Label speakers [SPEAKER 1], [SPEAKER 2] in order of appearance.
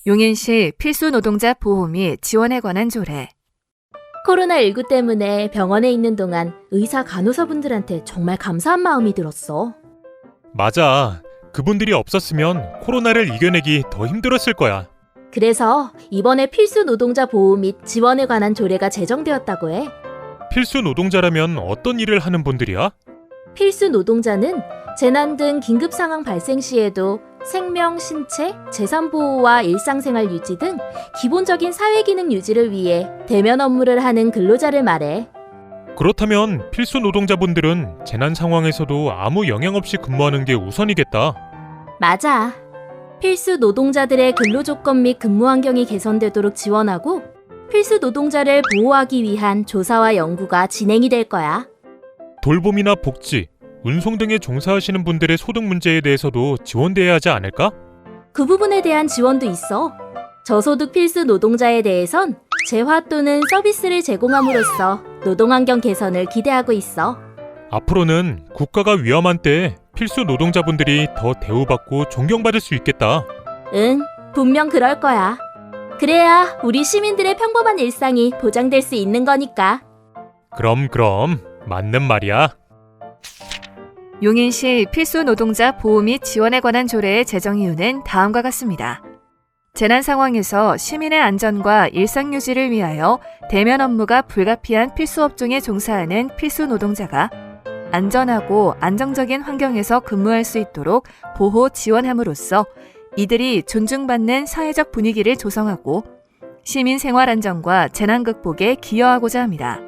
[SPEAKER 1] 용인시 필수 노동자 보호 및 지원에 관한 조례.
[SPEAKER 2] 코로나19 때문에 병원에 있는 동안 의사 간호사분들한테 정말 감사한 마음이 들었어.
[SPEAKER 3] 맞아. 그분들이 없었으면 코로나를 이겨내기 더 힘들었을 거야.
[SPEAKER 2] 그래서 이번에 필수 노동자 보호 및 지원에 관한 조례가 제정되었다고 해.
[SPEAKER 3] 필수 노동자라면 어떤 일을 하는 분들이야?
[SPEAKER 2] 필수 노동자는 재난 등 긴급 상황 발생 시에도 생명, 신체, 재산 보호와 일상생활 유지 등 기본적인 사회기능 유지를 위해 대면 업무를 하는 근로자를 말해.
[SPEAKER 3] 그렇다면 필수 노동자분들은 재난 상황에서도 아무 영향 없이 근무하는 게 우선이겠다.
[SPEAKER 2] 맞아. 필수 노동자들의 근로 조건 및 근무 환경이 개선되도록 지원하고 필수 노동자를 보호하기 위한 조사와 연구가 진행이 될 거야.
[SPEAKER 3] 돌봄이나 복지, 운송 등에 종사하시는 분들의 소득 문제에 대해서도 지원돼야 하지 않을까?
[SPEAKER 2] 그 부분에 대한 지원도 있어. 저소득 필수 노동자에 대해선 재화 또는 서비스를 제공함으로써 노동환경 개선을 기대하고 있어.
[SPEAKER 3] 앞으로는 국가가 위험한 때 필수 노동자분들이 더 대우받고 존경받을 수 있겠다.
[SPEAKER 2] 응, 분명 그럴 거야. 그래야 우리 시민들의 평범한 일상이 보장될 수 있는 거니까.
[SPEAKER 3] 그럼 맞는 말이야.
[SPEAKER 1] 용인시 필수 노동자 보호 및 지원에 관한 조례의 제정 이유는 다음과 같습니다. 재난 상황에서 시민의 안전과 일상 유지를 위하여 대면 업무가 불가피한 필수 업종에 종사하는 필수 노동자가 안전하고 안정적인 환경에서 근무할 수 있도록 보호 지원함으로써 이들이 존중받는 사회적 분위기를 조성하고 시민 생활 안정과 재난 극복에 기여하고자 합니다.